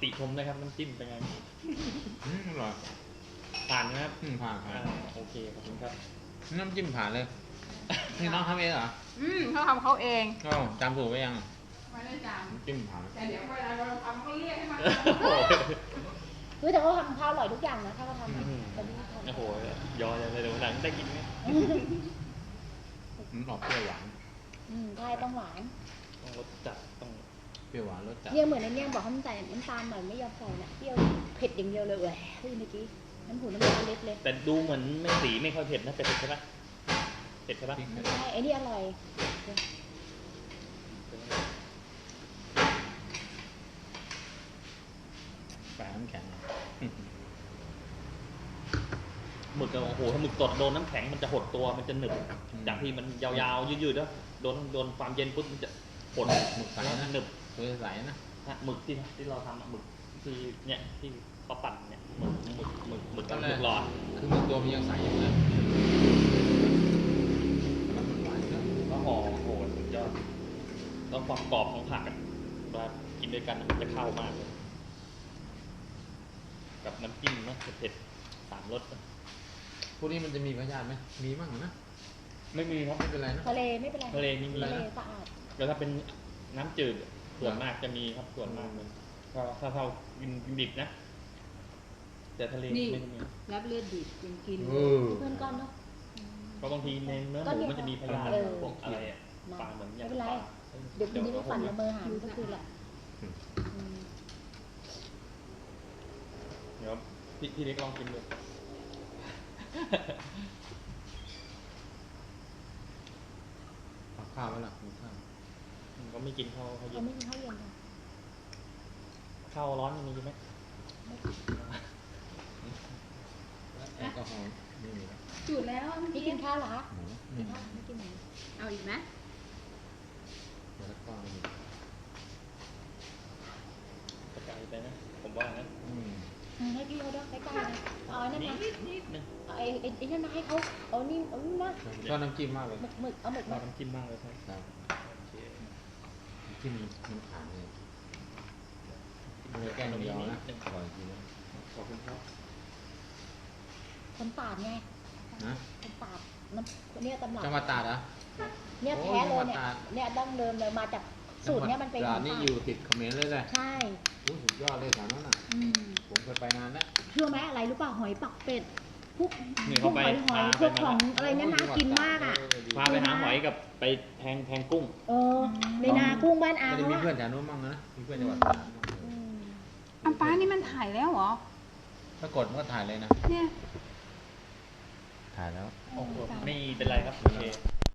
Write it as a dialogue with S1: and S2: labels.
S1: ติชมนะครับน้ำจิ้มเป็นไง
S2: อร่อย
S1: ผ่านนะครับ
S2: ผ่าน
S1: โอเคขอบคุณครับ
S2: น้ำจิ้มผ่านเลยนี่น้องทำเองเหรอ
S3: เขาทำเขาเอง
S2: ก็จำถูกไว้ยัง
S3: ไม่ได้จ
S2: น้ำจิ้มผ่าน
S3: ำแต่เดี๋ยวเวลาเราทำเขาเรียกให้มา
S4: เฮ้ยแต่เขาทำข้าวอร่อยทุกอย่างนะถ้าเขาทำอะแต่นี่ทำ
S1: โอ้โหยอเลยเดี๋ยวหลังได้กินไหม
S2: มันออกเปรี้ยวหวาน
S4: ใช่ต้องหวาน
S1: ต้องรสจัดต้อง
S2: เปรี้ยวหวานรสจัด
S4: เนี่ยเหมือนในเนี่ยบอกเขาใส่น้ำตาลหน่อยไม่ยอมใส่นะเปรี้ยวเผ็ดอย่างเดียวเลยแหวเฮ้ยเมื่อกี้น้ำหูน้ำตาลเล็ดเลย
S1: แต่ดูเหมือนไม่สีไม่ค่อยเผ็ดนะเผ็ดใช่ปะเผ็ดใช่ปะ
S4: ใช่ไอ้นี่อร่อย
S2: แปะน้ำแข็ง
S1: หมึกอะโอ้โหถ้าหมึกสดโดนน้ำแข็งมันจะหดตัวมันจะหนึบจากที่มันยาวๆยืดๆแล้วโดนความเย็นปุ๊บมันจะหด
S2: หมึกใส
S1: แล้ว
S2: นะ
S1: หนึบ
S2: ตัวใสนะ
S1: ฮะหมึกที่เราทำอะหมึกที่เนี่ยที่เขาปั่นเนี่ยหมึกหลอด
S2: คือหมึกตัวมันยังใสอยู่นะแล้วมันหวานนะ
S1: แล้วห่อโอ้โหสุดยอดแล้วความกรอบของผักอะเวลากินด้วยกันมันจะเข้ามากเลยกับน้ำจิ้มนะเผ็ดๆสามรสนะ
S2: พวกนี้มันจะมีพยาธิไหมมีมั่งนะ
S1: ไม่มีครับ
S2: ไม่เป็นไรนะ
S4: ทะเลไม่เป็นไร
S1: ทะเลนี่มี
S4: ทะเล
S1: นะ
S4: สะอาด
S1: แล้วถ้าเป็นน้ำจืดส่วนมากจะมีครับส่วนมากเลยถ้าเรากินดิบนะ แต่ทะเล
S3: นี่
S1: ไม่มี
S3: รับเลือดดิบยังกิน
S4: เพื่อนก้อนเนาะ
S1: เพราะบางทีในเนื้อหมูมันจะมีพยาธิ
S4: เออ
S1: พวกอะไรอะปลาเหมือนอย่าง
S4: ไม่เป็นไร
S1: ปลา
S4: เดี๋ยวคืนนี้ไปปั่นละเมอหามันก็คือแหละ
S1: เดี๋ยวพี่เล็กลองกินดู
S2: เอาข้าวไว้ละกินข้าว
S1: ก็ไม่กินข้าวเย็
S4: เขา
S1: น
S4: ไม่กินข้าวเย็นค่ะ
S1: ข้าวร้อนมีไหม
S2: แอลกอฮอล์ไม่มีแล้ว
S3: จุดแล้ว
S4: พี่กินข้าวเหรอ
S2: หมู
S4: กินข้าวไม่กินหมู
S3: เอาอีกไหม
S2: แล้วก็มี
S1: กระจายไปนะผมว่านะ
S4: ให้พี่เขาด้วยใกล้ๆนะเอาไอ้นั่นนะ
S1: นิดนึง
S4: เอาไอ้นั่นนะให้เขาเอานี่เอานี่นะ
S2: ชอบน้ำจิ้มมากเลย
S4: หมึกเอาหมึก
S1: เรา
S4: มา
S1: น้ำจิ้มมากเลยครับ
S2: ครับ
S1: โอเค
S2: น้ำจิ้มมันผ่านเลยมันแกล้งเดียวนะอร่อยจริงนะ
S1: ขอบคุณครับ
S4: คนตาดไง
S2: นะ
S4: คนตาดน้ำเนี่ยตำรับ
S2: จังหวัดตราดเหรอ
S4: เนี่ย
S2: โอ้
S4: แท้เลย
S2: จังหวัด
S4: เนี่ย
S2: ตราด
S4: เนี่ยดั้งเดิมเลยมาจากสูตรเนี่ยมันเป็น
S2: จังห
S4: ข
S2: วั
S4: อ
S2: ด
S4: ง
S2: นี่
S4: ตา
S2: อยู่
S4: ด
S2: ติดเขมรเลยแหละ
S4: ใช่
S2: โอ้สุดยอดเลยแถวนั้นน่ะ ผมเคยไปนานแล้ว
S4: เชื่อไหมอะไรรู้ป่ะหอยปักเป็ดพวก
S1: นี่
S4: พว
S1: เขา
S4: ก
S1: ไป
S4: หอยพวกของอะไรเนี่ยน่ากินมากอ่ะ
S1: พาไปหาหอยกับไปแพงกุ้ง
S4: เออในนากุ้งบ้านอา
S2: ไม่ได้
S4: เขา
S2: มี
S4: อะ
S2: เพื่อนแถวนู้นมั่งนะมีเพื่อนจังหวัดตราดมั่ง
S4: อืม
S3: อันป้านี่มันถ่ายแล้วเหรอ
S2: ถ้ากดมันก็ถ่ายเลยนะ
S3: เนี่ย
S2: ถ่ายแล้ว
S1: โอ้โหไม่เป็นไรครับโอเค